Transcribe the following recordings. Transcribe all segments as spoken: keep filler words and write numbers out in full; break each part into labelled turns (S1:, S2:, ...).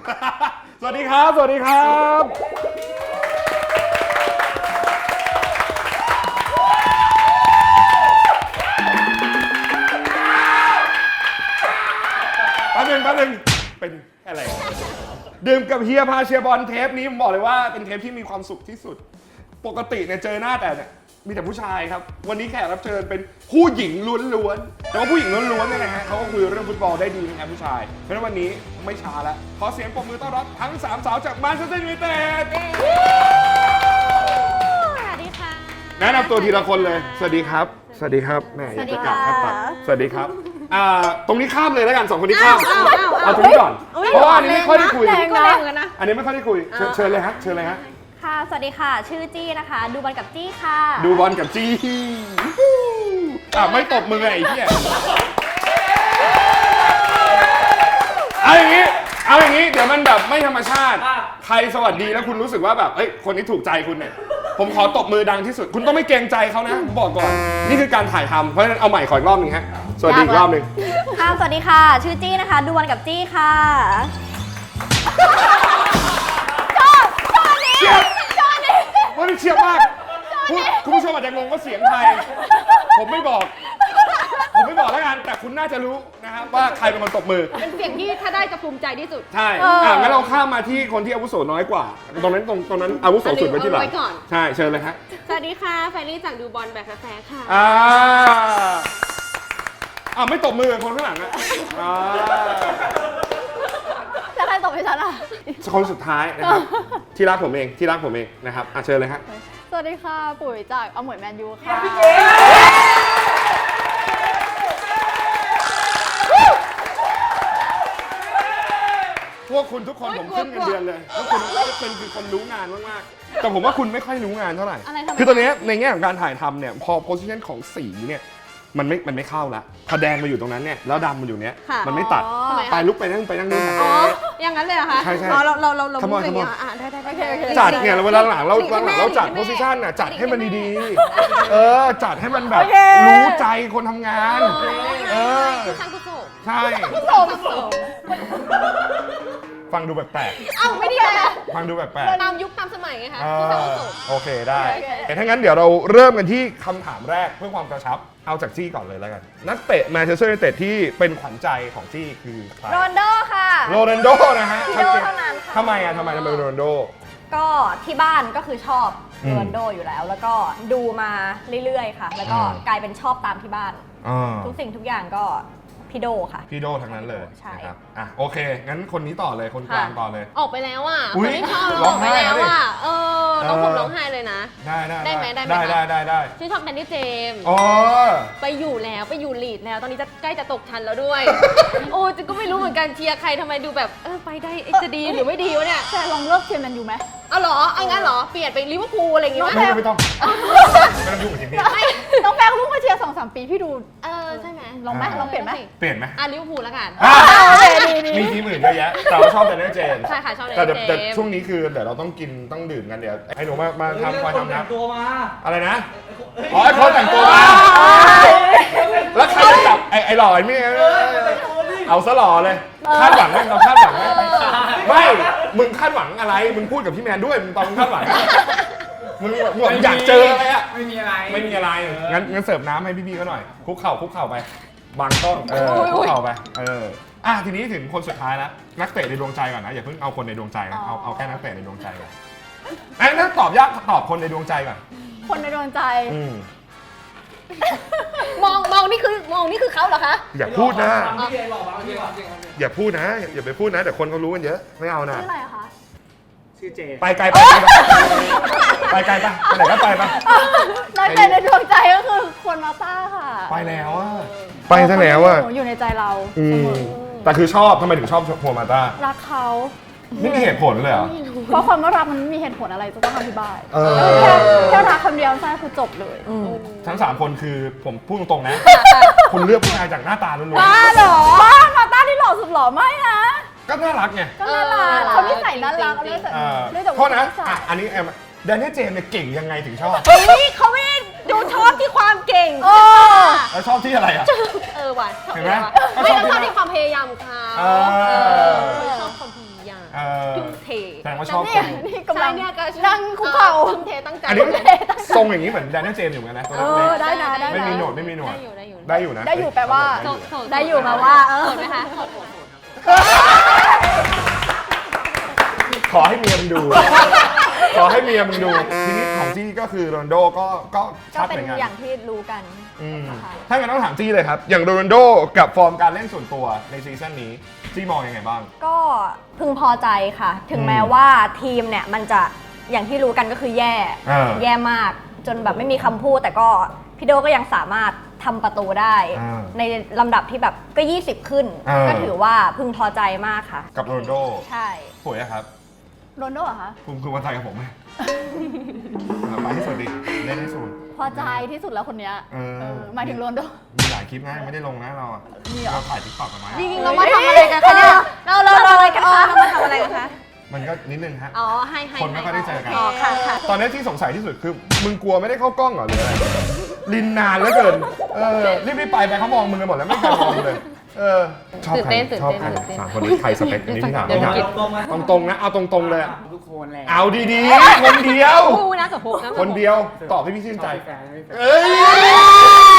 S1: สวัสดีครับสวัสดีครับแป๊บนึงแป๊บนึงเป็นอะไรดื่มกับเฮียพาเชียร์บอลเทปนี้ผมบอกเลยว่าเป็นเทปที่มีความสุขที่สุดปกติเนี่ยเจอหน้าแต่เนี่ยมีแต่ผู้ชายครับวันนี้แขกรับเชิญเป็นผู้หญิงล้วนๆแต่ว่าผู้หญิงล้วนๆเนี่ยนะฮะเขาก็คุยเรื่องฟุตบอลได้ดีนะครับผู้ชายเพราะฉะนั้นวันนี้ไม่ช้าแล้วขอเสียงปรบมือต้อนรับทั้งสามสาวจากแมนเชสเตอร์ยูไนเต็ด
S2: สวัสดีค่ะ
S1: แนะนำตัวทีละคนเลยสวัสดีครับสวัสดีครับแม่อยากจะกลับแค่ปัดสวัสดีครับอ่าตรงนี้ข้ามเลยแล้วกันสองคนนี้ข้ามเอาตรงนี้ก่อนเพราะว่าอันนี้ไม่ค่อยได้คุยอันนี้ไม่ค่อยได้คุยเชิญเลยฮะเชิญเลยฮะ
S2: ค่ะสวัสดีค่ะชื่อจี้นะคะดูบอลกับจี้ค่ะ
S1: ดูบอลกับจี้อ่ะไม่ตบมือไอ้เหี้ยเอาอย่างนี้เอาอย่างนี้เดี๋ยวมันแบบไม่ธรรมชาติใครสวัสดีแล้วคุณรู้สึกว่าแบบเอ้ยคนนี้ถูกใจคุณเนี่ยผมขอตบมือดังที่สุดคุณต้องไม่เกรงใจเขานะผมบอกก่อนนี่คือการถ่ายทำเพราะฉะนั้นเอาใหม่ขออีกรอบนึงฮะสวัสดีอีกรอบนึง
S2: ค่ะสวัสดีค่ะชื่อจี้นะคะดูบอลกับจี้ค่ะชอบชอบนี้ชอบนี้
S1: ว่านี่เชียบมากคุณผู้ชมอาจจะงงว่าเสียงใครผมไม่บอกผมไม่บอกแล้วกันแต่คุณน่าจะรู้นะครับว่าใครเป็นคนตบมือ
S3: เป็นเสียงที่ถ้าได้จะภูมิใจที่สุด
S1: ใช่อ่ะงั้นเราข้ามมาที่คนที่อาวุโสน้อยกว่าตรงนั้นตรงตรงนั้นอาวุโสสุดไปที่หลังใช่เชิญเลยฮะ
S3: สวัสดีค่ะแฟรรี่จากดูบอลแบบแฟร์ค่ะ
S1: อ่าอ่าไม่ตบมือคนข้างหลังอ่ะอ่า
S2: แล้วใครตบให้ฉันอ่ะ
S1: คนสุดท้ายนะครับที่รักผมเองที่รักผมเองนะครับอ่ะเชิญเลยฮะ
S2: สวัสดีค่ะปุ๋ยจากอมวยแมนยูค่ะ
S1: พวกคุณทุกคนผมขึ้นเงินเดือนเลยพวกคุณเป็นคือคนรู้งานมากๆแต่ผมว่าคุณไม่ค่อยรู้งานเท่าไหร่คือตอนนี้ในแง่ของการถ่ายทำเนี่ยพอโพสิชันของสีเนี่ยมันไม่มันไม่เข้าละพอแดงมาอยู่ตรงนั้นเนี่ยแล้วดำมาอยู่เนี้ยมันไม่ตัดไปลุกไปนั่งไปนั่งนู่น
S3: อ๋ออย่างนั้นเลยเหรอคะ
S1: ใช่ใช่
S3: เราเราเราเรา
S1: ทำไมทำไม
S3: ได้ได้
S1: จัดเนี่ยเวลาหลังเราหลังเราจัดโพสิชันน่ะจัดให้มันดีๆเออจัดให้มันแบบรู้ใจคนทำงานเออ
S3: คือคันกุศล
S1: ใช่
S3: กุศลกุศล
S1: ฟังดูแปลก
S3: ๆเอ้าไม่ดีเลย
S1: ฟังดูแปลก
S3: ๆตามยุคตามสมัยไงคะคือคันกุศล
S1: โอเคได้ถ้างั้นเดี๋ยวเราเริ่มกันที่คำถามแรกเพื่อความกระชับเอาจากจี้ก่อนเลยแล้วกันนักเตะแมนเชสเตอร์ยูไนเต็ดที่เป็นขวัญใจของจี้คือใคร
S2: โรนโดค่ะ
S1: โรนัลโดนะฮะ
S2: โรนัลโดเท่านั้นค่ะ
S1: ทำไมอ่ะทำไมทำไมโรนัลโด
S2: ก็ที่บ้านก็คือชอบโรนัลโดอยู่แล้วแล้วก็ดูมาเรื่อยๆค่ะแล้วก็กลายเป็นชอบตามที่บ้านทุกสิ่งทุกอย่างก็พี่โดค่ะ
S1: พี่โดทั้งนั้นเลย
S2: ใช่
S1: ครับอ่ะโอเคงั้นคนนี้ต่อเลยคนกลางต่อเลย
S3: ออกไปแล้วอ่ะคนที่ชอบร้องไห้แล้วอ่ะเออต้องผมร้องไห้เลยนะ
S1: ได้ได้
S3: ได้ไหมได้ไหม
S1: ได้ได้ได้ได้
S3: ชื่อชอบแดนนี่เจมส์
S1: อ๋อ
S3: ไปอยู่แล้วไปอยู่ลีดแล้วตอนนี้จะใกล้จะตกชั้นแล้วด้วยโอ้จะก็ไม่รู้เหมือนกันเชียร์ใครทำไมดูแบบเออไปได้จะดีหรือไม่ดีวะเนี่ย
S2: แต่ลองเลิกเชียร์แมนยูไหม
S3: เอาหรอเอางั้นหรอเปลี่ยนไปลิเวอร์พูลอะไรอย่างงี้ไหม
S1: ไม่ไม่ต้องไม่ต้องยุ่งกับทีมนี้
S2: น้องแป้งลูกมาเชียร์สองสามปีพี่ดู
S3: เออใช่ไหม
S2: ลองไหมลองเปลี่ยนไหม
S1: เปลี่ยนไหม
S3: อ่ะลิเวอร์พูลแล้วกัน
S1: มีทีมอื่นเยอะแยะแต่เราชอบแต่เนเจน
S3: ใช่ค่ะชอบแต่
S1: แต่ช่วงนี้คือเดี๋ยวเราต้องกินต้องดื่มกันเดี๋ยวให้หนูมามาทำคอยทำนะ
S4: ตัวมา
S1: อะไรนะอ๋อไอ้เขาแต่งตัวมาแล้วใครจะจับไอ้ไอ้หล่อไอ้นี่เอาซะหล่อเลยคาดหวังไหมเราคาดหวังไหมไม่มึงคาดหวังอะไรมึงพูดกับพี่แมนด้วยมึงตอนมึงคาดหวังมึงมึงอยากเจออะไรอ่ะ
S4: ไม่มีอะไร
S1: ไม่มีอะไรงั้นงั้นเสิร์ฟน้ำให้พี่ๆเขาหน่อยคุกเข่าคุกเข่าไปบางต้นเออคุกเข่าไปเอออ่ะทีนี้ถึงคนสุดท้ายแล้วนักเตะในดวงใจก่อนนะอย่าเพิ่งเอาคนในดวงใจนะเอาเอาแค่นักเตะในดวงใจก่อนไอ้ถ้าตอบยากตอบคนในดวงใจก่อน
S2: คนในดวงใจ
S3: มองมองนี่คือมองนี่คือเขาเหรอคะ
S1: อย่าพูดนะอย่าพูดนะอย่าไปพูดนะแต่คนเขารู้กันเยอะไม่เอานะ
S2: ชื่ออะไรคะ
S4: ชื่อเจ
S1: ไปไกลไปไปไกลไปไปไหนก็ไปไป
S2: นักเตะในดวงใจก็คือคนมาต้าค่ะ
S1: ไปแล้วอ่ะไปซะแล้วอ่ะ
S2: อยู่ในใจเรา
S1: แต่คือชอบทำไมถึงชอบโคมาต้า
S2: รักเขา
S1: ไม่มีเหตุผลเลยเหรอ
S2: เพราะความว่ารักมันไม่มีเหตุผลอะไรจะต้องอธิบายแค่แค่รักคำเดียวใช่คือจบเลย
S1: ทั้งสามคนคือผมพูดตรงๆนะคุณเลือกผู้ชายจากหน้าตาล้วน
S2: ๆบ้าเหรอบ้ามาต้าที่หล่อสุดหล่อไม่นะ
S1: ก็น่ารักไง
S2: ก็น่ารักเขาไม่ใส่น่ารักเลย
S1: โทษนะอันนี้แอมแดนนี่เจมส์เนี่ยเก่งยังไงถึงชอบ
S3: เฮ้ยเขาไม่ดูชอบที่ความเก่ง
S1: แล้วชอบที่อะไรอ่ะ
S3: เออว่ะ
S1: เห็นไหม
S3: ไม่ต้องชอบที่ความพยายามของเขาชอบความพยายาม
S1: ว่าชอบ
S2: นี่
S1: คน
S2: นี่กำลัง
S3: ใช่เนี่ยก็
S2: นั่งคุกเข่า
S3: ทุ่มเทตั้งใจ
S1: อันนี้ทรงอย่างนี้เหมือนแดนนี่เจมส์อยู่เหมือนกันนะตัว
S2: เอ
S1: เล็
S2: อก ได้นะได้
S1: ๆไม่
S2: นะ
S1: มีหนวดไม่มีหนวด
S3: ได้อยู่ได้อยู่
S1: ได้อยู่นะ
S2: ได้อยู่แปลว่า
S1: ได้อยู่
S3: โสด
S2: ได้อยู่แปลว่าเออ
S3: โสดไหมคะโสด
S1: ขอให้เมียมึงดู ขอให้เมียมึงดู ทีนี้ของจี้ก็คือโรนลโดก็ก็
S2: ก็
S1: ชัด
S2: เป็
S1: เห
S2: น
S1: มือนกัน
S2: อย่างที่รู้กัน
S1: อืม
S2: ค่ะ
S1: ถ้างั้นต้องถามจี้เลยครับ อย่างโรนลโดกับฟอร์มการเล่นส่วนตัวในซีซั่นนี้จี้มองยังไงบ้าง
S2: ก็พึงพอใจค่ะ ถึง
S1: อืม
S2: แม้ว่าทีมเนี่ยมันจะอย่างที่รู้กันก็คือแย่
S1: อ่า
S2: แย่มาก จนแบบไม่มีคำพูด แต่ก็พี่โดก็ยังสามารถทำประตูได้
S1: อ่า
S2: ในลำดับที่แบบก็ ยี่สิบ ขึ้น
S1: อ่า
S2: ก็ถือว่าพึงพอใจมากค่ะ
S1: กับโรนลโด
S2: ใช่
S1: ป่วยอะครับ
S2: โรนโดเหรอคะ
S1: คุณคุณวันไทยกับผมไหม เอาไปให้สุดดิเล่นให้สุด
S2: พอใจที่สุดแล้วคนเนี้ย
S1: เออ
S2: เออหมายถึงโรนโด
S1: มีหลายคลิปนะไม่ได้ลงนะเราอะ
S2: มีเหรอ
S1: เราถ่ายติ๊กต็อกกันมา
S3: จริงๆเรามาทำอะไรกันคะเนี่ยเราเราเราอะไรกันคะเรามาทำอะไรกันคะ
S1: มันก็นิดนึงฮะ
S3: อ๋อให้ให้
S1: คนไม่ค่อยได้เจอกัน
S3: อ๋อค่ะค่ะ
S1: ตอนนี้ที่สงสัยที่สุดคือ มึงกลัวไม่ได้เข้ากล้องเหรอหรืออะไร ลินนานเหลือเกิน เออ รีบๆไปไปเขามองมึงกันหมดแล้วไม่กล้ามองมึงเลย เออ ชอบ
S3: ตื่น
S1: ใคร
S3: เต้นตื่น
S1: ชอบ
S3: เต้น
S1: ใคร
S3: ตื่นเต้น
S1: สามคนนี้ใครสเปคอันนี้ที่ถาม
S3: เดี๋ยว
S1: ที่ถาม
S3: เดี๋ยว
S1: ตรงๆนะ เอาตรงๆเลย
S4: ทุกคนแหละ
S1: เอาดีๆ คนเดียว
S3: คู่นะกับพวกนะ
S1: คนเดียว ตอบให้พี่ชื่นใจ
S4: แฟนไม่แฟน
S1: เอ้ย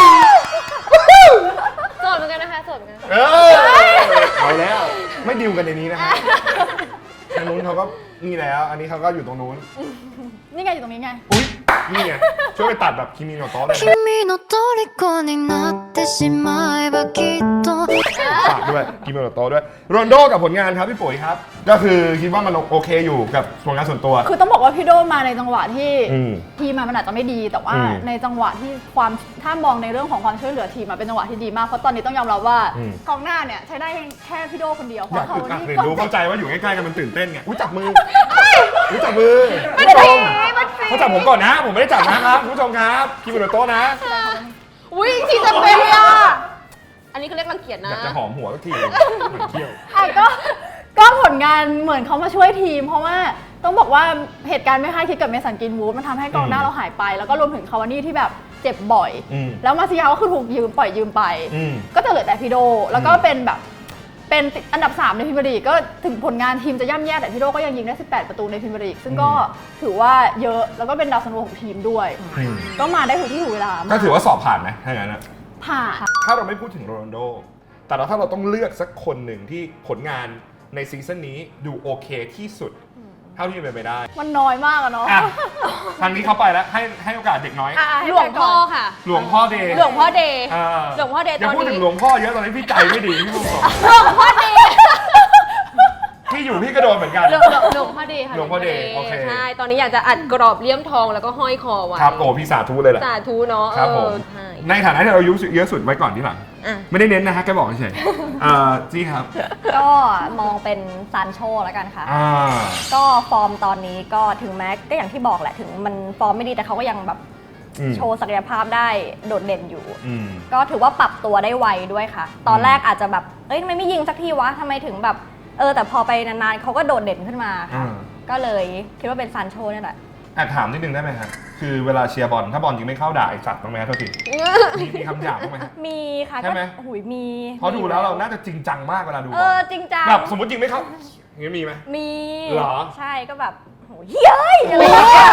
S3: โสดเหมือนกันนะคะโสดเหมือนกัน
S1: เออเอาแล้ว ไม่ดิวกันในนี้นะฮะทางนู้นเขาก็นี่แล้ว อันนี้เขาก็อยู่ตรงนู้น
S2: นี่ไงอยู่ตรงนี้ไง
S1: อุ้ยนี่ไงช่วยไปตัดแบบคิมิโนโตะเลยนะ
S5: 君の虜になってしまえばきっと
S1: ฝากด้วยคิมิโนโตะด้วยโรนลโดกับผลงานครับพี่ปุ๋ยครับ ก็คือคิดว่ามันโอเคอยู่กับผลงานส่วนตัว
S6: คือต้องบอกว่าพี่โดมาในจังหวะที่
S1: อืม
S6: ทีมอะมันอาจจะไม่ดี แต่ว่า
S1: อืม
S6: ในจังหวะที่ความถ้ามองในเรื่องของความช่วยเหลือทีมอะเป็นจังหวะที่ดีมากเพราะตอนนี้ต้องยอมรับว่า
S1: อืม
S6: กองหน้าเนี่ยใช้ได้แค่พี่โดคนเดียวเพ
S1: อยาก
S6: ราะเขา
S1: อึดอัด
S6: นี่
S1: เรียน
S6: ก็
S1: รู้เข้าใจว่าอยู่ใกล้ๆกันมันตื่นเต้นไงอุ้ยจับมืออุ้ยจับมือผู้ชมเขาจับผมก่อนนะ ผมไม่ได้จับนะครับคุณผู้ชมครับคิมิโนโตะนะ
S3: อุ้ยทีจะเป็นอ่ะอันนี้เขาเรียกรังเกียจ
S1: อ
S3: นะ
S1: ยากจะหอมหัวสักทีเหมือนเที่ยว
S6: อ่ะก็ก็ผลงานเหมือนเขามาช่วยทีม เพราะว่าต้องบอกว่าเหตุการณ์ไม่คาดคิดกับเมสันกินวูดมันทำให้กองหน้า
S1: อืม
S6: เราหายไป แล้วก็รวมถึงคาวานี่ที่แบบเจ็บบ่อย
S1: อืม
S6: แล้วมาซิยาก็คือถูกยืมปล่อยยืมไป
S1: อืม
S6: ก็จะเหลือแต่พี่โด แล้วก็
S1: อืม
S6: เป็นแบบเป็นอันดับสามในพรีเมียร์ลีกก็ถึงผลงานทีมจะย่ำแย่แต่พี่โดก็ยังยิงได้สิบแปดประตูในพรีเมียร์ลีกซึ่งก็ถือว่าเยอะแล้วก็เป็นดาวซันโวของทีมด้วย
S1: อืม
S6: ก็มาได้ถูกที่ถูกเวลา
S1: ก็ถือว่าสอบผ่านไหมถ้าอย่างนั้นนะ
S6: ผ่าน
S1: ถ้าเราไม่พูดถึงโรนัลโด แต่เราถ้าเราต้องเลือกสักคนหนึ่งที่ผลงานในซีซั่นนี้ดูโอเคที่สุด เท่าที่จะเป็นไปได้
S6: มันน้อยมากอะเนาะ
S1: อ่ะ ทางนี้เขาไปแล้ว ให้ให้โอกาสเด็กน้อย
S6: อ่ะ
S3: หลวงพ่อค่ะ
S1: หลวงพ่อเดย์
S3: หลวงพ่อเดย์
S1: อ่า
S3: หลวงพ่อเดย์
S1: อย่า
S3: ตอนนี้
S1: พูดถึงหลวงพ่อเยอะตอนนี้พี่ใจไม่ดีพี่พูดก่อน
S3: หลวงพ่อเดย์
S1: พี่อยู่พี่ก็โดนเหมือนกัน
S3: หลวงหลวงหลวงพ่อเดย์ค่ะ
S1: หลวงพ่อเดย์โอเค
S3: ใช่ตอนนี้อยากจะอัดกรอบเลี่ยมทองแล้วก็ห้อยคอไว้
S1: ครับโอ้พี่สาธุเลยแหละ
S3: สาธุเนาะ
S1: ครับผม
S3: เออใช่
S1: ในฐานะที่เราอายุเยอะสุดไว้ก่อนที่หลัง
S3: อ่ะ
S1: ไม่ได้เน้นนะฮะแกบอกเฉยๆอ่าจี้ครับ
S2: ก็มองเป็นซานโชแล้วกันค่ะ
S1: อ่า
S2: ก็ฟอร์มตอนนี้ก็ถึงแม้ก็อย่างที่บอกแหละถึงมันฟอร์มไม่ดีแต่เขาก็ยังแบบ
S1: อืม
S2: โชว์ศักยภาพได้โดดเด่นอยู่
S1: อืม
S2: ก็ถือว่าปรับตัวได้ไวด้วยค่ะ ตอนแรกอาจจะแบบ เอ้ยทำไมไม่ยิงสักทีวะทำไมถึงแบบ เออ แต่พอไปนานๆเขาก็โดดเด่นขึ้นมาค่ะ
S1: อ่า
S2: ก็เลยคิดว่าเป็นซานโชนี่แหละ
S1: แอบถามนิดนึงได้ไหมครับคือเวลาเชียร์บอลถ้าบอลยิงไม่เข้าด่าไอ้สัตว์บ้างไหมครับโทษทีมีมีคำหยาบบ้างไหมฮะ
S2: มีค่ะ
S1: ใช่
S2: ก็
S1: ไหม
S2: หุยมี
S1: เพราะดูแล้วเราน่าจะจริงจังมากเวลาดูบ
S2: เอ
S1: อ
S2: อ
S1: ล
S2: จริงจัง
S1: แบบสมมติยิงไม่เข้าอย่างนี้มีไหม
S2: มี
S1: เหรอ
S2: ใช่ก็แบบโหเฮ้ยอะไรอย่างเงี้ย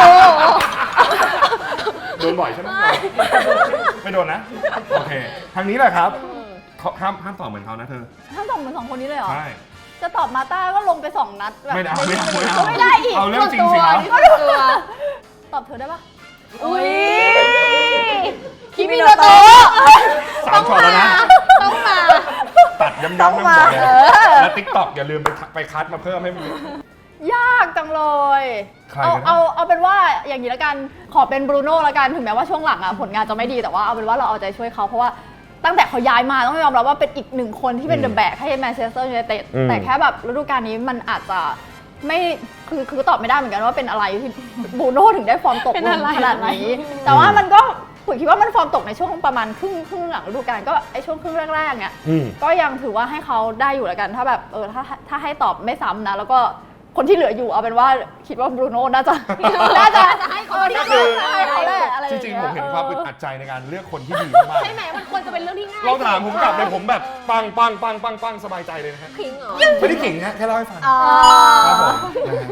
S1: โดนบ่อยใช่ไหมไม่โดนนะ โอเค ทางนี้แหละครับเขาห้ามห้ามตอบเหมือนเขานะเธอ
S6: ทั้งสองเหมือนสองคนนี้เลยเหรอ
S1: ใช่
S6: จะตอบมาต้าก็ลงไปสองนัดแบบ
S1: ไม่ได้ไม่ได้ไม่ได้
S6: ไม่ได้อีก
S1: เอาเรื่องจริงสิครับ
S3: ส่วนตัว
S6: ตอบเธอได้ปะ
S3: อุ้ย
S2: คิมิโนโตะ
S1: สามช็อตแล้วนะ
S3: ต้องมา
S1: ตัดย้ำๆน้ำบ่อย
S2: เออ
S1: แล้วติ๊กต็อกอย่าลืมไปไปคัดมาเพิ่มให้มัน
S6: ยากจังเลย
S1: ใคร
S6: เอา
S1: กันนะ
S6: เอาเอาเป็นว่าอย่างนี้ละกันขอเป็นบรูโน่ละกันถึงแม้ว่าช่วงหลังอะผลงานจะไม่ดีแต่ว่าเอาเป็นว่าเราเอาใจช่วยเขาเพราะว่าตั้งแต่เขาย้ายมาต้องยอมรับว่าเป็นอีกหนึ่งคนที่เป็นเดอะแบกให้แมนเชสเตอร์ยูไนเต็ด
S1: อืม
S6: แต่แค่แบบฤดูกาลนี้มันอาจจะไม่คือคือตอบไม่ได้เหมือนกันว่าเป็นอะไรที่บรูโน่ถึงได้ฟอร์มตก
S3: เป็น
S6: ล
S3: อะ
S6: ง
S3: ไร
S6: ขนาดนี้ แต่ว่ามันก็ผมคิดว่ามันฟอร์มตกในช่วงประมาณครึ่งครึ่งหลังฤดูกาลก็ไอช่วงครึ่งแรกๆเนี่ย
S1: อืม
S6: ก็ยังถือว่าให้เขาได้อยู่แล้วกัน ถ้าแบบเออถ้าถ้าให้ตอบไม่ซ้ำนะ แล้วก็คนที่เหลืออยู่เอาเป็นว่าคิดว่าบรูโน่น่าจะ น่าจะ
S3: จะให้เขา
S6: เออ
S3: ที่
S6: น่า
S3: สุ
S6: จะ
S3: ด
S6: ให้เขาแหละอะไรอ
S1: จ
S6: ย่าง
S1: ริง
S6: เงี้
S1: ๆ
S6: ย
S1: ผมเห็นความอึดอัดใจในการเลือกคนที่ดีมาก
S3: ใช่ไหมมันควรจะเป็นเรื่องที่ง่าย
S1: ๆเราถามผมกลับเลยผมแบบปังปังปังปังปังสบายใจเลยนะฮะ
S3: ขิงเหรอ
S1: ไม่ได้เก่งฮะแค่เล่าให้ฟัง
S2: อ๋อ
S1: ครับผมนะฮะ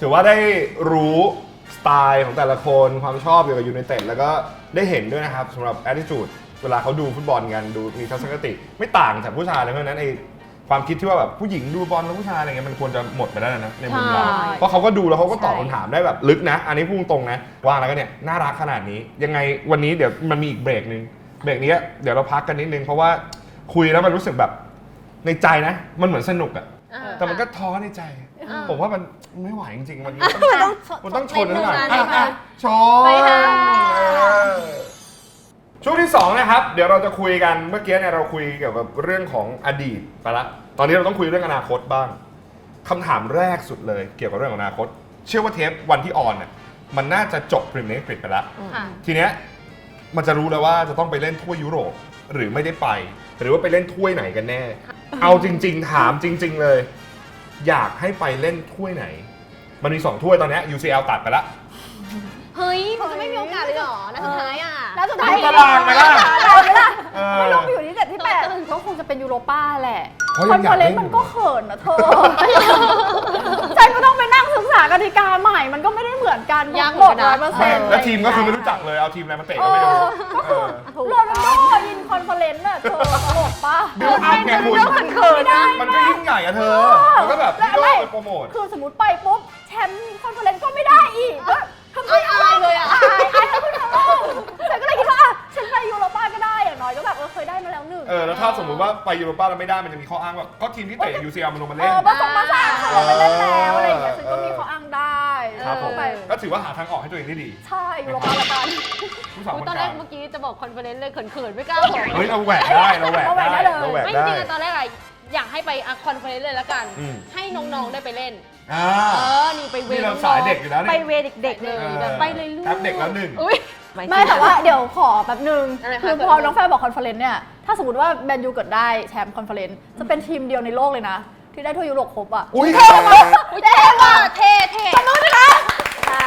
S1: ถือว่าได้รู้สไตล์ของแต่ละคนความชอบเกี่ยวกับยูไนเต็ดแล้วก็ได้เห็นด้วยนะครับสำหรับ attitude เวลาเขาดูฟุตบอลกันดูมีทัศนคติไม่ต่างจากผู้ชายเลยเพราะฉะนั้นไอ้ความคิดที่ว่าแบบผู้หญิงดูบอลแล้วผู้ชายอะไรเงี้ยมันควรจะหมดไปแล้วนะในมุมเรา
S3: ใช่
S1: เพราะเขาก็ดูแล้วเขาก็ตอบ
S2: ใช่
S1: คำถามได้แบบลึกนะ อันนี้พูดตรงๆนะว่าแล้วก็เนี่ยน่ารักขนาดนี้ยังไงวันนี้เดี๋ยวมันมีอีกเบรกนึงเบรกนี้เดี๋ยวเราพักกันนิดนึงเพราะว่าคุยแล้วมันรู้สึกแบบในใจนะมันเหมือนสนุกอะ
S3: อ่า
S1: แต่มันก็ท้อในใจ
S3: อ่า
S1: ผมว่ามันไม่ไหวจริงๆ มัน
S3: มันต้อง
S1: มันต้องชน
S3: ใน
S1: หน่อย
S3: ใน
S1: อ่ะ
S3: ใน
S1: อ่ะช
S3: ไป
S1: น
S3: ค่ะ
S1: เออช่วงที่สองนะครับ เดี๋ยวเราจะคุยกันเมื่อกี้เนี่ยเราคุยเกี่ยวกับเรื่องของอดีตไปละ ตอนนี้เราต้องคุยเรื่องอนาคตบ้างคำถามแรกสุดเลยเกี่ยวกับเรื่องของอนาคต เชื่อว่าเทปวันที่ออนเนี่ยมันน่าจะจบพรีเมียร์ลีกอังกฤษไปแล้ว
S3: ค่ะ
S1: ทีเนี้ยมันจะรู้แล้วว่าจะต้องไปเล่นถ้วยยุโรปหรือไม่ได้ไป หรือว่าไปเล่นถ้วยไหนกันแน่ เอาจริง ๆ ถามจริง ๆ เลย อยากให้ไปเล่นถ้วยไหน มันมีสองถ้วยตอนเนี้ย ยู ซี แอล ตัดไปละ
S3: เฮ้ยมันจะไม่มีโอกาสเลยเหรอนัดสุดท้ายอ่ะ
S6: แล้วสุดท้าย
S1: ดูตารางไหมล่ะ
S6: ตารางไหมล่ะ
S1: เออ
S6: ไม่ลงไปอยู่ที่เจ็ดที่แปดก็คงจะเป็นยูโรป้าแหละ
S1: เพราะ
S6: ค
S1: ยั
S6: อน
S1: งอ
S6: เฟ
S1: ยา
S6: อก เร
S1: เล่
S6: น
S1: น
S6: ซ์มันก็เขินนะเธอ ฉันก็ต้องไปนั่งศึกษากติกาใหม่ มันก็ไม่ได้เหมือนกัน
S3: ยาก
S6: ห
S3: เห
S6: ม
S3: มือ
S6: ด
S3: นกัน
S6: ร้อ
S3: นะ
S6: ยเปอร์เซ็นต์
S1: แล้วทีมก็คือไม่รู้จักเลยเอาทีมอะไรมาเตะก็ไม่รู้
S6: ก็คือ
S1: เออ
S6: โรนัลโดยินคอนเฟอเรนซ์น่ะเธอตลกปะ
S1: บิวอัพไงคุณ
S6: มันเขินนะ
S1: มันก็ยิ่งใหญ่อะเธอ มันก็แบบพี่โลกไปโปรโมท
S6: คือสมมติไปปุ๊บแชมป์คอนเฟอเรนซ์ก็ไม่ได้อีกก็ทำไม
S3: อายๆเลยอะ
S6: อายอายทั้งคนทั้งโลกฉันก็เลยคิดว่าอ่ะฉันไปยูโรป้าก็ได้อย่างน้อยก็แบบเออเคยได้มาแล้วหนึ่ง
S1: เออแล้วถ้าสมมติว่าไปยูโรป้าแล้วไม่ได้มันจะมีข้ออ้างว่าก็ทีมที่เตะ ยู ซี แอล มันลงมา
S6: เอ
S1: เล่น
S6: อมาส่งมาสร้างเขาไปเล่นแล้วอะไรอย่างเงี้ยฉันก็มีข้ออ้างได้
S1: ครับผม
S6: ไป
S1: ก็ถือว่าหาทางออกให้ตัวเองได้ดี
S6: ใช่ยูโรป้าละกัน
S1: ผู้สาว
S3: อุ๊
S1: ค
S3: ย
S1: น
S3: ตอน
S1: ก
S3: แร
S1: ลาก ง
S3: เมื่อกี้จะบอกคอนเฟอเรนซ์เลยเขินๆไม่กล้าบอก
S1: เฮ้ยเราแหวกได้เราแหวก
S6: เราแหวกได้
S1: ได้
S6: เลย
S1: เราแหวก
S3: ไม่
S1: ได้
S3: จริงๆอะตอนแรกอะอยากให้ไปอะคอนเฟอเรนซ์เลยละกัน
S1: อืม
S3: ให้น้องๆได้ไปเล่น
S1: อ่า
S3: เออ นี่ไปเว
S1: นี่เรา
S3: น้องๆ
S1: สายเด็กอยู่แล้วนี่
S3: ไปเวเด็กๆเลย
S1: เออ
S3: แบบไปเลยลูก
S1: แอปเด็กแล้วหนึ่ง
S3: อุ้ย
S6: ไม่แต่ว่าเดี๋ยวขอแป๊บนึง
S3: อะไรคะ
S6: คือพอน้องแฟนบอกคอนเฟอเรนซ์เนี่ยถ้าสมมติว่าแมนยูเกิดได้แชมป์คอนเฟอเรนซ์จะเป็นทีมเดียวในโลกเลยนะ ที่ได้ถ้วยยุโรปครบอ่ะ
S1: อุ้ย
S3: อุ๊ยเท่ว่ะเท่เท่
S6: ตนู้นนะ
S2: ใช่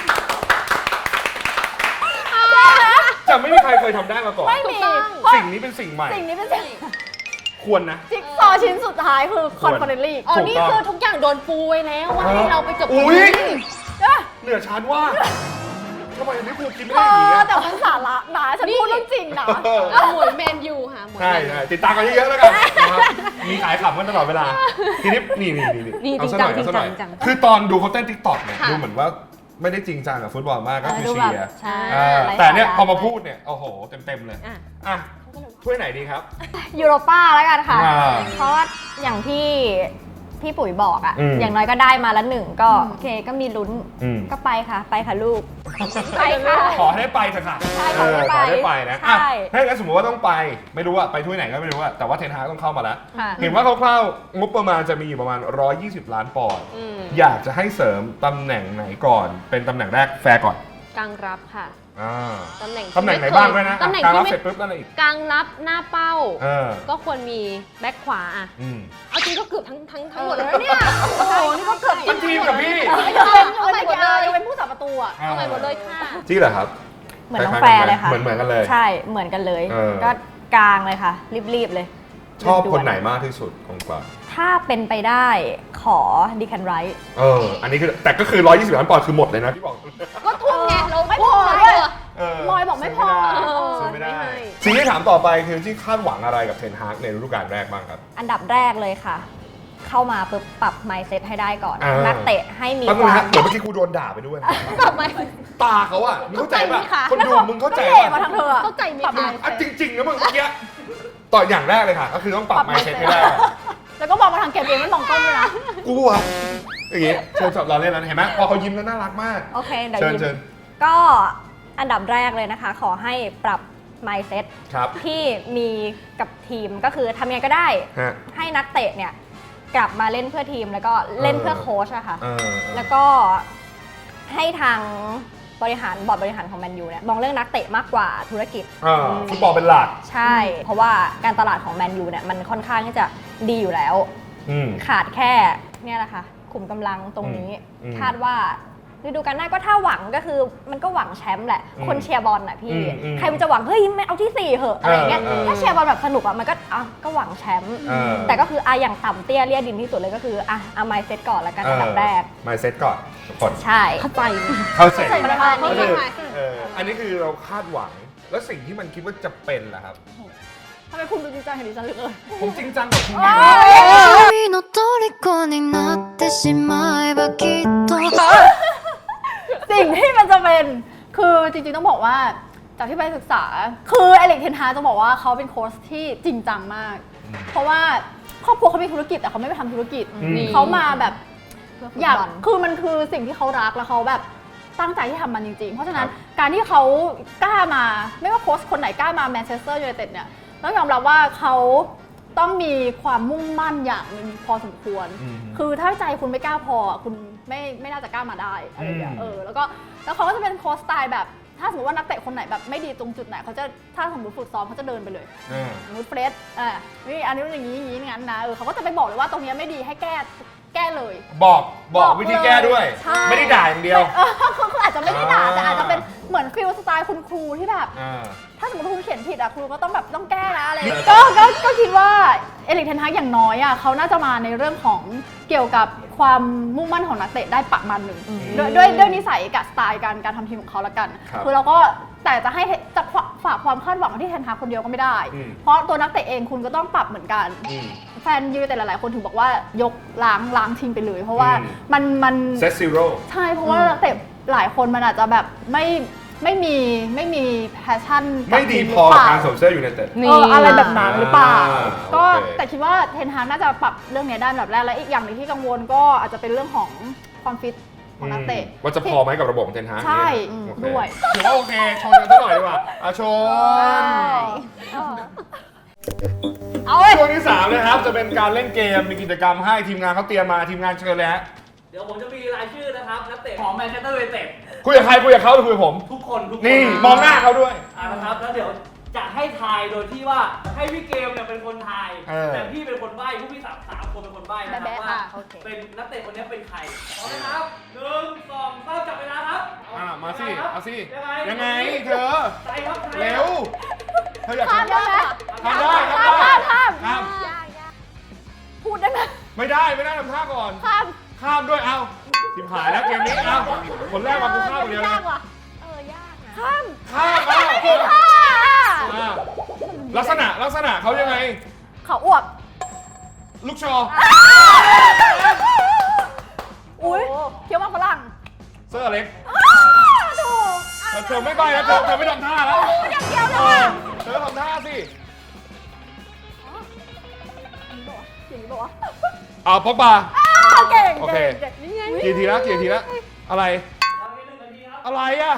S1: จะไม่มีใครเคยทำได้มาก่อน
S6: ไม่มี
S1: สิ่งนี้เป็นสิ่งใหม่
S6: สิ่งนี้เป็นสิ่ง
S1: ควรนะ
S6: จิ๊กซอว์ชิ้นสุดท้ายคือคอนเฟอเรนซ์ลีก
S3: อ๋อ
S1: ถูก
S3: นี่
S1: ต้อง
S3: คือทุกอย่างโดนปูไว้แล้วว่าให้เราไปจบ
S1: อุ้ย
S6: เอ้ย
S1: เหนือชั้นว่าทำไมลิเวอร์พูลคิดไม่
S6: เอ
S1: ได้อย่างนี้
S6: อ
S1: อะ
S6: แต่มันสาระนะฉันพูดเรื่องจริงนะ
S1: เออ
S3: เอาหมวยแมนยูค่ะหมวย
S1: ใช่
S3: แมนยู
S1: ใช่ติดตามกันเยอะๆแล้วกันนะครับมีขายขำกันตลอดเวลา ทีนี้นี่นี่นี่
S3: นี่
S1: เอาซะหน่อย
S3: จริ
S1: เอา
S3: ง
S1: ซะ
S3: จั
S1: ห
S3: ง
S1: น่อย
S3: จริงจัง
S1: คือตอนดูเขาเต้นทิกตอกเนี่ย
S3: ค่ะ
S1: ดูเหมือนว่าไม่ได้จริงจังกับฟุตบอลมากก็คือ
S2: ดู
S1: เชี
S2: แบบ
S1: ยร์
S2: ใช่
S1: เออ
S2: ไร้
S1: แต่เนี่ย
S2: สาระ
S1: พอมาพูดเนี่ยโอ้โหเต็มๆเลย
S3: อ่ะ
S1: อ่ะถ้วยไหนดีครับ
S2: ยูโรป้าแล้วกันค่ะ
S1: อ่า
S2: เพราะว่าอย่างที่พี่ปุ๋ยบอกอะ
S1: อืม
S2: อย่างน้อยก็ได้มาละหนึ่งก็โอเคก็มีลุ้น
S1: อืม
S2: ก็ไปค่ะ ไปค่ะลูก ไปค่ะ
S1: ขอให้ได้ไปเถอะค่ะ
S2: ใช่
S1: เออขอให้ได้ไปนะอ่ะ
S2: ใช่
S1: ถ้าอย่างนั้นสมมติว่าต้องไปไม่รู้ว่าไปถ้วยไหนก็ไม่รู้อะแต่ว่าเทนฮากต้องเข้ามาแล้ว
S2: ค่ะ
S1: เห็นว่าคร่าวๆงบประมาณจะมีอยู่ประมาณหนึ่งร้อยยี่สิบล้านปอนด์
S3: อืม
S1: อยากจะให้เสริมตำแหน่งไหนก่อน เป็นตำแหน่งแรกแฟร์ก่อน
S3: กลางรับค่ะ
S1: อ่า
S3: ตำแหน่งที่
S1: ตำแหน่งไหน
S3: ม่เค
S1: บ้างด้วยนะ
S3: ตำแหน่ง
S1: การ
S3: ที่
S1: รับ
S3: ไม่
S1: เสร็จปุ๊บนั่นอะไรอีก
S3: กลางรับหน้าเป้า
S1: เออ
S3: ก็ควรมีแบ็คขวาอ่ะ
S1: อืม
S3: เอาจริงก็เกือบทั้งทั้งทั้งหมดแล้วนะเนี่ย โอ้โห นี่ก็เกือบ
S1: เป็นทีมกับพี่
S6: ยกเว้นยก
S3: เอา
S6: เว้น
S3: ไปหมดเลย
S6: ยกเว้นผู้สาประตูอ่ะ
S3: เอาไปหมดเลยค่ะ
S1: จริงเหรอครับ
S2: เหมือนน้อง
S1: ค
S2: แฟ
S1: ล้ายๆ
S2: ร์เลยค่ะ
S1: เหมือนเหมือนกันเลย
S2: ใช่เหมือนกันเลย
S1: เออ
S2: ก็กลางเลยค่ะ รีบๆเลย
S1: ชอบ
S2: ด่ว
S1: คนไหนมากที่สุดของกลาง
S2: ถ้าเป็นไปได้ขอดีคันไรท์
S1: เออ อันนี้คือแต่ก็คือหนึ่งร้อยยี่สิบล้านปอนด์คือหมดเลยนะที่บอก
S3: ก็ทุ่มไงเรา
S6: ไม่
S3: ทุ่
S6: พ
S3: ม
S6: อ
S3: เลย
S1: เออ
S6: มอยบอกไม่พอ
S1: ซื้อไม่ได้
S3: เออไม่ให้
S1: สิ่งที่ถามต่อไปคือที่คาดหวังอะไรกับเทนฮากในฤดูกาลแรกบ้างครับ
S2: อันดับแรกเลยค่ะ เข้ามาปุ๊บปรับ mindset ให้ได้ก่อน
S1: อ่านั
S2: นักเตะให้มี
S1: แป๊บ
S2: ค
S1: นึง
S2: วา
S1: ฮะ
S2: ม
S1: เหมือนเมื่อกี้กูโดนด่าไปด้วย
S3: ทำไม
S1: ตาเขาอะมึงเข้าใจป่ะ
S3: เข้าใจไหมคะ
S1: คนดูมึงเข้าใจ
S6: ก็เหล่มา
S1: ป่ะ
S6: ทางเธออะ
S3: เข้าใจไหม
S6: ปรับ
S3: คะ
S6: mindset
S1: อ่ะจริงๆนะมึงเมื่อกี้ต่ออย่างแรกเลยค่ะ ก็คือต้องปรับ
S6: ปรับ
S1: mindset
S6: mindset
S1: ให้ได้
S6: แล้วก็มองมาทางเกมเองไม่มองกล้องด้วยนะ
S1: กูอะอย่างงี้เชิญจับเราเล่นแล้วเห็นไหมพอเขายิ้มแล้วน่ารักมาก
S2: โอเคเดี๋ยว
S1: เชิญ
S2: ยิ้ม
S1: เชิญ
S2: ก็อันดับแรกเลยนะคะ ขอให้ปรับ mindset
S1: ครับ
S2: ที่มีกับทีมก็คือทำยังไงก็ได้
S1: ฮะ
S2: ให้นักเตะเนี่ยกลับมาเล่นเพื่อทีมแล้วก็เล่นเพื่อโค้ชอะค่ะ
S1: เออ
S2: แล้วก็ให้ทางบริหารบอร์ดบริหารของแมนยูเนี่ยมองเรื่องนักเตะมากกว่าธุรกิจ
S1: เออฟุตบอลเป็นหลัก
S2: ใช่ เพราะว่าการตลาดของแมนยูเนี่ยมันค่อนข้างที่จะดีอยู่แล้ว
S1: อืม
S2: ขาดแค่เนี่ยแหละค่ะขุมกำลังตรงนี้
S1: อืม
S2: คาดว่าฤดูกาลหน้าก็ถ้าหวังก็คือมันก็หวังแชมป์แหละ
S1: อืม
S2: คนเชียร์บอลน่ะพี่
S1: อืมอืม
S2: ใครมันจะหวังเฮ้ยไม่เอาที่สี่เหอะอะไรเงี้ย
S1: เออเออ
S2: ถ้าเชียร์บอลแบบสนุกอ่ะมันก็อ่ะก็หวังแชมป์
S1: เออ
S2: แต่ก็คืออ่ะอย่างต่ำเตี้ยเลี่ยดินที่สุดเลยก็คืออ่ะเอาไมเซ็ตก่อนแล้วกันอันดับแรก
S1: มาเซตก่อนทุกคน
S2: ใช่
S3: เข้าใจ
S1: เข้าเสร็จ
S6: เข้าใจ
S3: เข้าใจ
S1: เอออันนี้คือเราคาดหวัง แล้วสิ่งที่มันคิดว่าจะเป็นล่ะครับ
S6: ทำไมคุณดูจริงจังกับดิฉันเหลือเกิน
S1: ผมจริงจังกับคุณ
S5: 君の虜になってしまえばきっと
S6: สิ่งที่มันจะเป็นคือจริงๆต้องบอกว่าจากที่ไปศึกษา คือเอลิกเทนฮาจะบอกว่าเขาเป็นโค้ชที่จริงจังมาก เพราะว่าครอบครัวเขามีธุรกิจแต่เขาไม่ไปทำธุรกิจ
S1: อืม
S6: เขามาแบบ
S2: เพื่อฟุต
S6: อยาก
S2: บอล
S6: คือมันคือสิ่งที่เขารักแล้วเขาแบบตั้งใจที่ทำมันจริงๆ เพราะฉะนั้น
S1: ครับ
S6: การที่เขากล้ามาไม่ว่าโค้ชคนไหนกล้ามาแมนเชสเตอร์ยูไนเต็ดเนี่ยต้องยอมรับว่าเขาต้องมีความมุ่งมั่นอย่างหนึงพอสมควร
S1: อืม
S6: คือถ้าใจคุณไม่กล้าพออ่ะคุณไม่ไม่น่าจะกล้ามาได้อะไรอย่างเงี้ย
S1: อืม
S6: เออแล้วก็แล้วเขาก็จะเป็นโค้ชสไตล์แบบถ้าสมมติว่านักเตะคนไหนแบบไม่ดีตรงจุดไหนเขาจะถ้าสมมติฝึกซ้อมเขาจะเดินไปเลย
S1: อ่า
S6: สมมติเฟรดอ่านี่อันนี้เป็นอย่างนี้อย่างนี้งั้นนะเออเขาก็จะไปบอกเลยว่าตรงเนี้ยไม่ดีให้แก้แก้เลย
S1: บอกบอก
S6: บอก
S1: วิธีแก้ด้วย
S6: ใช่
S1: ไม่ได้ด่าอย่างเดียว
S6: เออคือคืออาจจะไม่ได้ด่า
S1: อ่า
S6: แต่อาจจะเป็นเหมือนฟิลสไตล์คุณครูที่แบบ
S1: อ่า
S6: ถ้าสมมติว่าคุณเขียนผิดอะครูก็ต้องแบบต้องแก้นะอะไรอย่างเงี้ยก็ก็ก็คิดว่าเอลิกเทนฮากอย่างน้อยอะเขาน่าจะมาในเรื่องของเกี่ยวกับความมุ่งมั่นของนักเตะได้ประมาณหนึ่งด้วยด้วยด้วยนิสัยกับสไตล์การการทำทีมของเขาละกัน
S1: ครับ
S6: คือเราก็แต่จะให้จะฝากความคาดหวังไว้ที่เทนฮากคนเดียวก็ไม่ได้
S1: อืม
S6: เพราะตัวนักเตะเองคุณก็ต้องปรับเหมือนกัน
S1: อืม
S6: แฟนยูไนเต็ดหลายๆคนถึงบอกว่ายกล้างล้างทีมไปเลย เพราะว่า
S1: อืม
S6: มันมัน
S1: เซตซีโร่
S6: ใช่เพราะว่านักเตะหลายคนมันอาจจะแบบไม่ไม่มีไม่มีแพชชั่น
S1: ไม่ดีพอกับการสวมเสื้อยูไนเต็ด
S6: เอออะไรแบบนั้นหรือเปล่า
S1: อ่า
S6: ก็
S1: โอเค
S6: แต่คิดว่าเทนฮากน่าจะปรับเรื่องนี้ได้แบบแรกและอีกอย่างหนึงที่กังวลก็อาจจะเป็นเรื่องของความฟิตของนักเตะ
S1: ว่าจะพอไหมกับระบบของเทนฮาก
S6: ใช่
S1: เนี่ยโอเค
S6: ด้วย
S1: ถือว่าโอเคชนกันสักหน่อยดีกว่าอ่ะชน
S2: เอาเลย
S1: ช่วงที่สามนะครับจะเป็นการเล่นเกมมีกิจกรรมให้ทีมงานเขาเตรียมมาทีมงานเชิญเลยฮะ
S4: เดี๋ยวผมจะมีรายชื่อนะครับนักเตะของแมนเชสเตอร์ยูไนเต็ด
S1: คุยกับใครคุยกับเขาหรือคุยกับผม
S4: ทุกคนทุกคน
S1: นี่มองหน้าเขาด้วย
S4: อ่านะครับแล้วเดี๋ยวจะให้ทายโดยที่ว่าให้พี่เกมเนี่ยเป็นคนทาย
S1: เออ
S4: แต่พี่เป็นคนใบ้ผู้พี่สามสามคนเป็นคนใบ้นะครับ
S6: แบ๊ะๆ
S4: ว่า
S6: ค่ะโอเค
S4: เป็นนักเตะคนนี้เป็นใครพร้อมนะครับหนึ่งสองสามจับเวลาครับ
S1: อ่ะมาสิ
S4: ยังไงครับ
S1: เอาสิ
S4: ยังไง
S1: ยังไงเธอ
S4: ใจครับใจ
S1: เร็วเธออยาก
S6: ข้าม
S1: ทำ
S6: ได้ไหม
S1: ทำได้ทำ
S6: ข้าม
S1: ได้
S6: ข้ามข้าม
S1: ข้าม
S6: พูดได้ไหม
S1: ไม่ได้ไม่ได้ทำท่าก่อน
S6: ข้าม
S1: ข้ามด้วยเอาทิมหายแล้วเกมนี้เอาคนแรกมากูข้ามคนเดียวเลย
S6: ยากว่ะ
S2: เออยากนะ
S6: ข้าม
S1: ข้ามเอา
S6: ข้าม
S1: อ่าลักษณะลักษณะเขายังไง
S6: เขาอวบ
S1: ลูกชอ
S6: อุ้ยเคี้ยวมากฝรั่ง
S1: เสื้อเล็ก
S6: ถูก
S1: แต่เธอไม่ใบแล้วเธอเธอไม่ทำท่าแล้ว
S6: อย่างเดียวเล
S1: เอย อ
S6: ว่ะ
S1: เธอทำท่าสิ
S6: อย่างนี้บอกว่า
S1: เอาพ็อกบา
S6: เก่ง
S1: โอเค
S6: เก่งนี่ไง
S1: กี่ทีแล้วกี่ทีแล้วอะไร
S4: ทำให้หนึ่งนาทีครับ
S1: อะไรอะ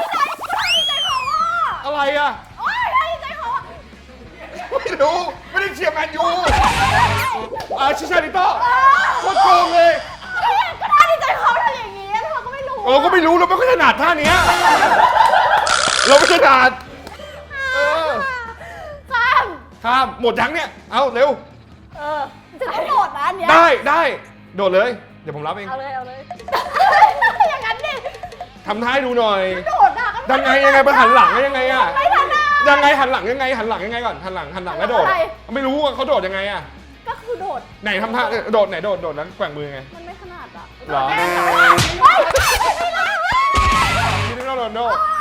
S1: อะไรอะ
S6: โอ้ยให้ใจเขาอ่ะ
S1: ไม่รู้ไม่ได้เชียร์แมนยูอ่าชิชาริโต้โคตรโกงเลย
S6: ก็ท่าดีใจเขาทำอย่างนี้แล้วเขาก็ไม่รู้
S1: เออก็ไม่รู้เราไม่ค่อยถนัดท่าเนี้ยเราไม่ถนัดเออ
S6: ข้าม
S1: ข้ามหมดยังเนี่ยเอาเร็ว
S6: เออจะต้องโดดนะอันเนี้ย
S1: ได้ได้โดดเลยเดี๋ยวผมรับเอง
S2: เอาเลยเอาเลย
S6: อย่างนั้นดิ
S1: ทำท่าให้ดูหน่อย
S6: โดดอ่ะก็
S1: ยังไงยังไงไปหันหลังแล้วยังไงอะ
S6: ไม่ทันอ่ะ
S1: ยังไงหันหลังยังไงหันหลังยังไงก่อนหันหลังหันหลังแล้วโดด
S6: อะไร
S1: ไม่รู้ว่าเขาโดดยังไงอะ
S6: ก็คือโดด
S1: ไหนทำท่าโดดไหนโดดโดดแล้วแกว่งมือไง
S6: มันไม่ขนาดอ่ะ
S1: เหรอ
S6: แน่นอนว่าเฮ้ยไม่ได้
S1: นี่นี่โรนัลโด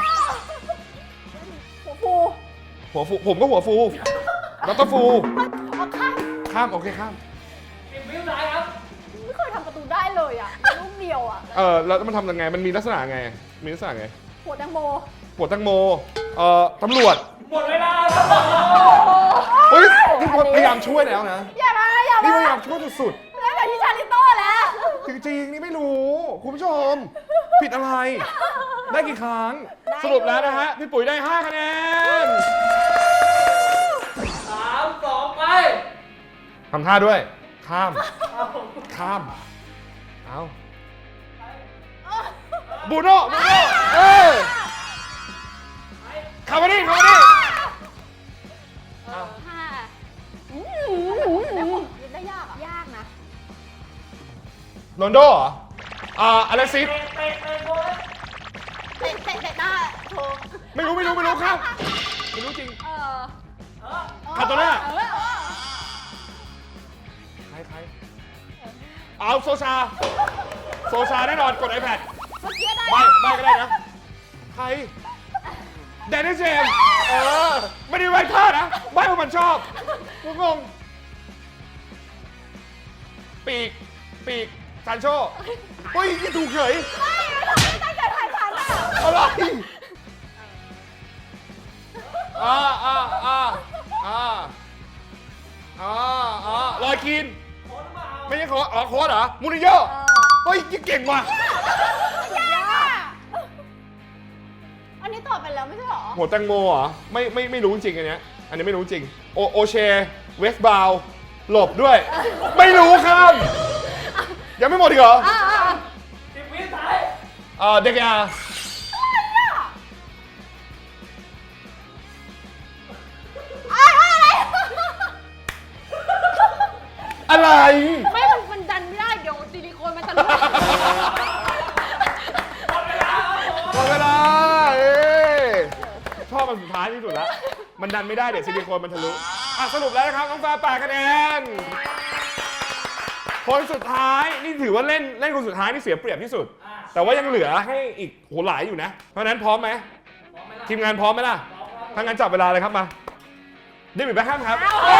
S6: หัวฟู
S1: หัวฟูผมก็หัวฟูแล้วก็ฟู
S6: เอาข้าม
S1: ข้ามโอเคข้าม
S4: สิบวิสุดท้ายครับ
S6: ไม่เคยทำประตูได้เลยอ่ะลูกเดียวอ่ะ
S1: เออแล้วมันทำยังไงมันมีลักษณะไงมีลักษณะไง
S6: หัวแตงโม
S1: ปวดตังโมเอ่อตำรวจ
S4: หมดเวลาครับ
S1: เฮ้ยนี่พยายามช่วยแล้วนะ
S6: อย่ามาอย่า
S1: นี่
S6: มา
S1: พยายามช่วยสุด
S6: แล้วแบบที่ชาลิโต้แล้ว
S1: ๆจริงๆนี่ไม่รู้คุณผู้ชมผิดอะไร ได้กี่ครั้งสรุปแล้วนะฮะพี่ปุ๋ยได้ห้าคะแนน
S4: สามสองไป
S1: ทำท่าด้วย ข้าม ข้าม เอาบูโน่บูโน่เออคาร์บอนี่คาร์บอนี่
S2: ค่ะ
S6: อืมได้ยากอ่ะ
S2: ยากนะ
S1: โรนลโดเหรอ อ่าอเล็กซิส
S4: เตะเตะเตะโดน
S6: เตะเตะเตะหน้าโชว์
S1: ไม่รู้ไม่รู้ไม่รู้ครับไม่รู้จริง
S2: เออ
S1: คาโตน่า
S6: เออเออ
S1: ใครใครเอาโซชา โซชาแน่นอนกด iPad
S6: เมื่อกี้ได้
S1: ใบใบก็ได้นะ ใครแดนนี่เจมส์เออ ไม่ได้ไว้ท่านะใบว่ามันชอบกูงง ปีก ปีกซานโชเฮ้ยนี่ถูกเฉย
S6: ไม่ตั้งใจถ่ายทันอ่ะ
S1: อะไรอ่าอ่าอ่าอ่าอ่าอ่าลอยคีน ไม่ใช่โค้ดอ๋อโค้ดเหรอ มูรินโญ่เฮ้ยเก่งว่ะ
S6: อันนี้ตอบไปแล้วไม่ใช่หรอ
S1: หัวแตงโมเหรอ ไม่ไม่ไม่รู้จริงอันเนี้ย อันนี้ไม่รู้จริง โอโอเช เวสบาวหลบด้วย ไม่รู้ครับ ยังไม่หมดอีกเหรอ
S4: สิบวิสุดท้าย
S1: เออเด็กยาอะไร
S3: ไม่มันมันดันไม่ได้ เดี๋ยวซิลิโคนมันจะรั่ว
S1: หมดเวลาเอ้ยชอบมันสุดท้ายที่สุดแล้ว มันดันไม่ได้เดี๋ยวซิลิโคนมันทะลุ อ่ะสรุปแล้วนะครับน้องฟ้าแปดคะแนน คนสุดท้ายนี่ถือว่าเล่นเล่นคนสุดท้ายนี่เสียเปรียบที่สุด แต่ว่ายังเหลือให้อีกโหหลายอยู่นะ เพราะฉะนั้นพร้อมไหมทีมงานพร้อมไหมล่ะถ้างั้นจับเวลาเลยครับมาเดวิดแบ็คแฮมครับ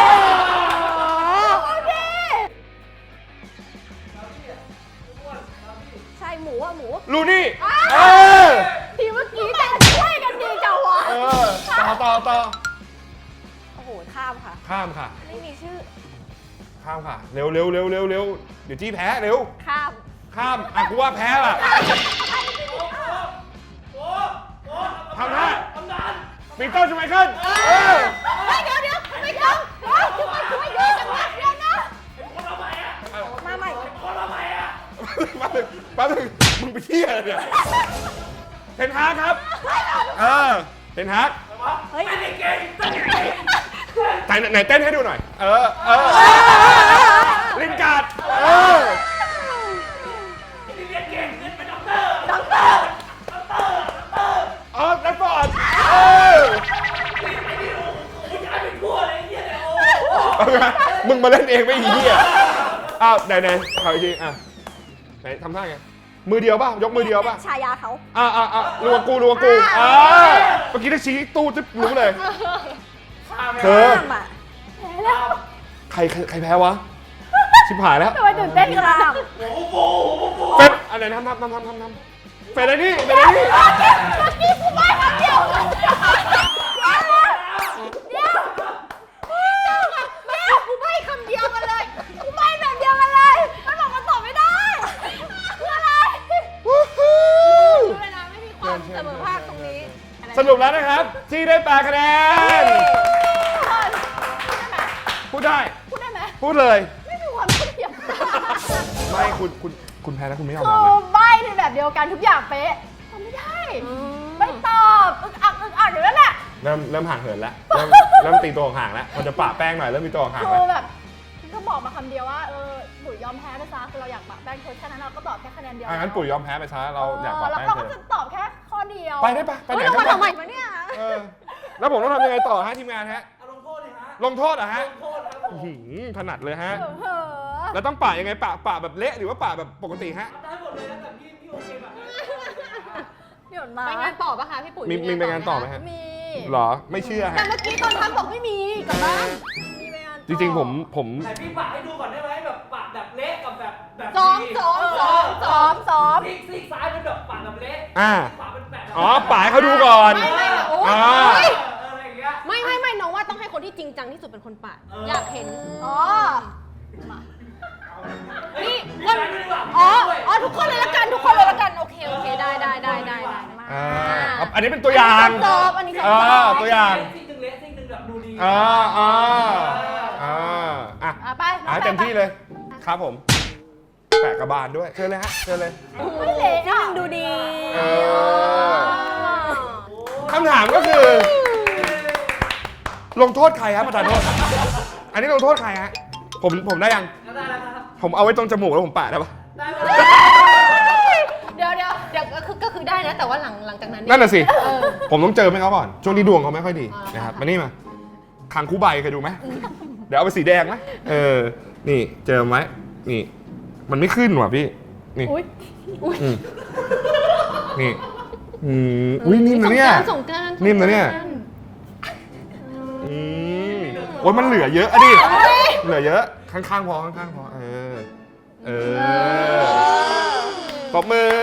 S2: ใช่หมูอะหมู
S1: ลูนี่เออ
S6: ทีเมื่อกี้แต่ช่วยกันดีจังวะ
S1: เออต่อต่อต่อ
S2: โอ้โห ข้ามค่ะ
S1: ข้ามค่ะ
S2: ไม่มีชื่อ
S1: ข้ามค่ะ เร็วเร็วเร็วเร็วเร็วเดี๋ยวจี้แพ้เร็ว
S2: ข้าม
S1: ข้ามอ่ะกูว่าแพ้ล่ะ
S4: โอ้โห
S1: ทำท่า
S4: ทำนาน
S1: ปีเตอร์ชูไมเคิลเออ
S6: เฮ้ยเดี๋ยวเดี๋ยวไม่ต้องเฮ้ยทำไมช่วยเยอะจังวะเดี๋ยวนะ
S4: คนละใบอ่ะ
S2: มาใหม่
S4: คนละใบอ่ะ
S1: แป๊บนึงแป๊บนึงมึงไปเที่ยอะไรเนี่ยเทนฮากครับเออเทนฮาก
S2: เฮ้ย
S4: เก่งเก่งเก่ง
S1: ไหนไหนเต้นให้ดูหน่อย เออเออลินการ์ดเออ
S4: เรียนเก่งเรียนเป็นด็อกเตอร์
S6: ด็อกเตอร์
S1: เออแรดฟอร์ดเออ
S4: ผู้ชายเป็นทั่วเลยไอ้เหี้ยเนี่ยโอ้
S1: เอาไงมึงมาเล่นเองไม่อีเหี้ยอ้าวไหนไหนขออีกทีอ่ะไหนทำท่าไงมือเดียวป่ะยกมือเดียวป่ะ
S2: ฉายาเขา
S1: อ่าอ่าอ่ารัวกูรัวกูอ่าเมื่อกี้ถ้าชี้ตู้จะรู้เลยเธอ
S2: ข้ามอ่ะ
S1: ใครใครใครแพ้วะ ชิบหายแล้ว
S6: ทำไมตื่นเต้นขนาด
S2: ข้า
S6: นั้น
S2: ม
S4: โหโหโห
S1: เป็ดอันไหนทำทำทำทำทำทำเป็ดอะไรนี่เป็ดอะไรนี่
S6: เมื่อกี้กูไม่คำเดียวเดี๋ยวเดี๋ยวเดี๋ยวกูไม่คำเดียวกันเลยกูไม่แบบเดียวกันเลยมันบอกมันตอบไม่ได้คืออะไร
S1: วู้ฮู้
S3: เวลาไม่มีความเสมอภาคตรงนี้
S1: สรุปแล้วนะครับ ที่ได้แปดคะแนน พูดได้
S6: พูดได้ไหม
S1: พูดเลย
S6: ไม่มีความเกี่ยว
S1: ไม่คุณคุณคุณแพ้แล้วคุณไม่ยอม
S6: คื
S1: รับ
S6: อ
S1: นะ
S6: ใบในแบบเดียวกันทุกอย่างเป๊ะทำไม่ได้ ไม่ตอบอึกอักอึกอักอยู่นั่นแหละ
S1: เริ่มเริ่มห่างเหินแล้ว เริ่มเริ่มตีตัวห่างแล้วมันจะปะแป้งหน่อยเริ่มมีตัวห่าง
S6: คื
S1: แล้ว
S6: อแบบก็บอกมาคำเดียวว่าเออปุ๋ยยอมแพ้ไปซะคือเราอยากปะแป้งเธอแค่นั้นเราก็ตอบแค่คะแนนเดียว
S1: อ่ะงั้นปุ๋ยยอมแพ้ไปซะเราอยากปะ
S6: แล้ว
S1: แป้ง
S6: เรา
S1: เธ
S6: ก็
S1: อ
S6: จะตอบแค่ข้อเดียว
S1: ไปได้ปะไปไหน
S3: เฮ้ยเรา
S1: ได้
S3: มา
S1: ปะ
S3: ทำไม
S2: มาเนี่ย
S1: เออแล้วผมต้องทำยังไงต่อฮะทีมงานฮะ
S4: เอาลงโทษเลยฮะ
S1: ลงโทษเหรอฮะ
S4: ลงโทษครับผม
S1: อื้อหือถนัดเลยฮะ
S6: เออ
S1: แล้วต้องปะยังไงปะปะแบบเละหรือว่าปะแบบปกติฮะ
S4: ได้หมดเลยนะแต่พี่พี่โอเคแบบนั้น
S6: เดี๋ยวนะ
S3: ไปงานต่อปะคะพี่ปุ๋ย
S1: มีมีไปงานต่อไหมฮะ
S6: มี
S1: หรอไม่เชื่อ
S6: แต่
S1: ฮะ
S6: เมื่อกี้ตอนทำบอกไม่มีกลับบ้านมีไปงานต่อ
S1: จริงๆผมผม
S4: แต่พี่ปะให้ดูก่อนได้ไหมแบบปะแบบเละกับแบบแบบ
S6: ซ้อม
S4: ดี
S6: ซ้อมซ้อมซ้อมซ้อม
S4: ซีกซีกซ้ายเป็นแบบปะแบบเละ
S1: อ่า
S4: ขวาเป็นแบบ
S1: อ๋อปะให้เขาดูก่อน
S3: ไม่ไม่แบบโอ๊ย
S1: อ่า
S3: เฮ้ย
S4: เอออะไรอย่างเงี้ย
S3: ไม่ไม่ไม่น้องว่าต้องให้คนที่จริงจังที่สุดเป็นคนปาด
S4: เออ
S3: อยากเห็น
S6: อ๋อ
S4: นี่
S3: งั้น อ๋อ อ๋อ ทุกคนเลยละกัน ทุกคนเลยละกัน โอเค โอเค ได้ได้ได้ได้ได้มา
S1: อ่าเอาอันนี้เป็นตัวอย่าง
S6: สอบอันนี้ส
S1: อ่า
S6: อบ
S1: ตัวอย่าง
S4: ซีกหนึ่งเละซีกหนึ่งแบบดูดี
S1: อ่าอ่าอ่าอ่ะ
S6: อ่ะไป
S1: อ่ะเต็มที่เลย ครับผม แปะกระบาลด้วย เชิญเลยฮะ เชิญเลย
S6: ไม่เละอ่ะ
S2: ดูดี
S1: เออคำถามก็คือ ลงโทษใครครับประธานโทษ อันนี้ลงโทษใครฮะ ผมผมได้ยัง
S4: ได้แล้วครับ
S1: ผมเอาไว้ตรงจมูกแล้วผมปะได้ปะ
S4: ได้
S6: เดี๋ยวเดี๋ยวเดี๋ยว
S3: ก็คือก็คือได้นะแต่ว่าหลังหลังจากนั้นเย
S1: นั่นน่ะสิ
S3: เออ
S1: ผมต้องเจอไหมเขาก่อน ช่วงนี้ดวงเขาไม่ค่อยดี
S3: อ๋อ
S1: นะครับ มานี่มาคังคูใบเคยดูไหม เดี๋ยวเอาไปสีแดงไหมเออ นี่เจอไหมนี่ มันไม่ขึ้นว่ะพี่ นี่
S6: อุ๊ย
S1: อืมนี่อืมอุ้ยนิ่มนะเนี่ย
S3: สงกรานต์สงกรานต์
S1: นิ่มนะเนี่ย อืมโอ้ยมันเหลือเยอะอะดิ เหลือเยอะ ข้างๆพอข้างๆพอ เออ เออตบมือ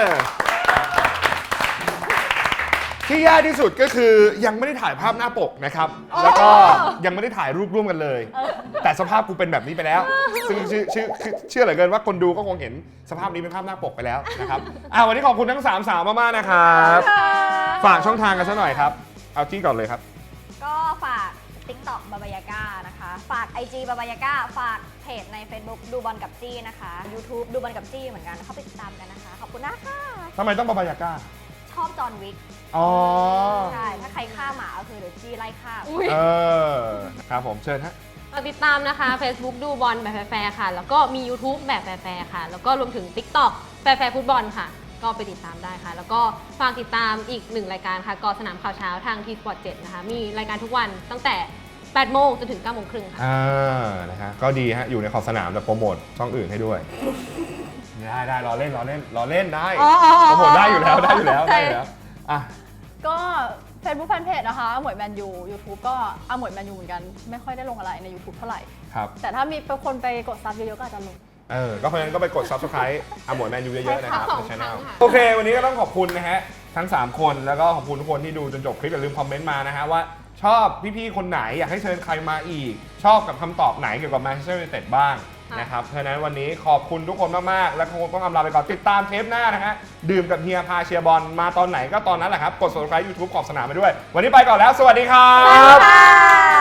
S1: ที่ยากที่สุดก็คือยังไม่ได้ถ่ายภาพหน้าปกนะครับ แล้วก็ยังไม่ได้ถ่ายรูปร่วมกันเลย แต่สภาพกูเป็นแบบนี้ไปแล้ว ซึ่งเชื่อเชื่อเชื่อเหลือเกินว่าคนดูก็คงเห็นสภาพนี้เป็นภาพหน้าปกไปแล้วนะครับอ่ะวันนี้ขอบคุณทั้งสามสาวมากๆนะครับ ฝากช่องทางกันซะหน่อยครับ เอาจี้ก่อนเลยครับ
S2: ก็ฝาก TikTok บาบายาก้านะคะ ฝาก ไอ จี บาบายาก้า ฝากเพจใน Facebook ดูบอลกับจี้นะคะ YouTube ดูบอลกับจี้เหมือนกันเข้าไปติดตามกันนะคะ ขอบคุณนะคะ
S1: ทำไมต้องบาบายาก้า
S2: ชอบจอห์นวิก
S1: อ๋อ
S2: ใช่ ถ้าใครฆ่าหมาก็คือเดี๋ยวจี้ไล่ฆ่า
S1: เออ ครับผมเชิญฮะ
S3: ฝากติดตามนะคะ Facebook ดูบอลแบบแฟร์ๆค่ะ แล้วก็มี YouTube แบบแฟร์ๆค่ะ แล้วก็รวมถึง TikTok แฟร์ๆฟุตบอลค่ะ ก็ไปติดตามได้ค่ะ แล้วก็ฝากติดตามอีกหนึ่งรายการค่ะกอสนามข่าวเช้าทาง ที สปอร์ต เจ็ดนะคะ มีรายการทุกวันตั้งแต่แปดโมงจนถึงเก้าโมงครึ่งค่ะ
S1: อ่า นะฮะ ก็ดีฮะ อยู่ในขอบสนามแต่โปรโมทช่องอื่นให้ด้วย ได้ได้รอเล่นรอเล่นรอเล่นได้
S2: อ๋ออ๋ออ๋อ
S1: โปรโมทได้อยู่แล้วได้อยู่แล้วได้อยู่แล้ว อ่ะ
S6: ก็ Facebook Fanpage นะคะอมวยแมนยู YouTube ก็อมวยแมนยูเหมือนกัน ไม่ค่อยได้ลงอะไรใน YouTube เท่าไหร่
S1: ครับ
S6: แต่ถ้ามีคนไปกดซับเยอะๆก็อาจจะลง
S1: เออ ก็เพราะฉะนั้นก็ไปกด Subscribe อาหมวยแมนยูเยอะๆนะครับ
S3: ใช่ค่ะ
S1: ใน channel
S3: สองครั้งค่ะ
S1: โอเค วันนี้ก็ต้องขอบคุณนะฮะ ทั้ง สาม คน แล้วก็ขอบคุณทุกคนที่ดูจนจบคลิปอย่าลืมคอมเมนต์มานะฮะว่าชอบพี่ๆคนไหนอยากให้เชิญใครมาอีก ชอบกับคำตอบไหนเกี่ยวกับ Manchester United บ้างนะครับ เพราะฉะนั้นวันนี้ขอบคุณทุกคนมากๆ และคงต้องอำลาไปก่อนติดตามเทปหน้านะฮะ ดื่มกับเฮียพาเชียร์บอลมาตอนไหนก็ตอนนั้นแหละครับ กด Subscribe YouTube ขอบสนามไปด้วย วันนี้ไปก่อนแล้ว สวัสดีครับ
S2: ค่ะ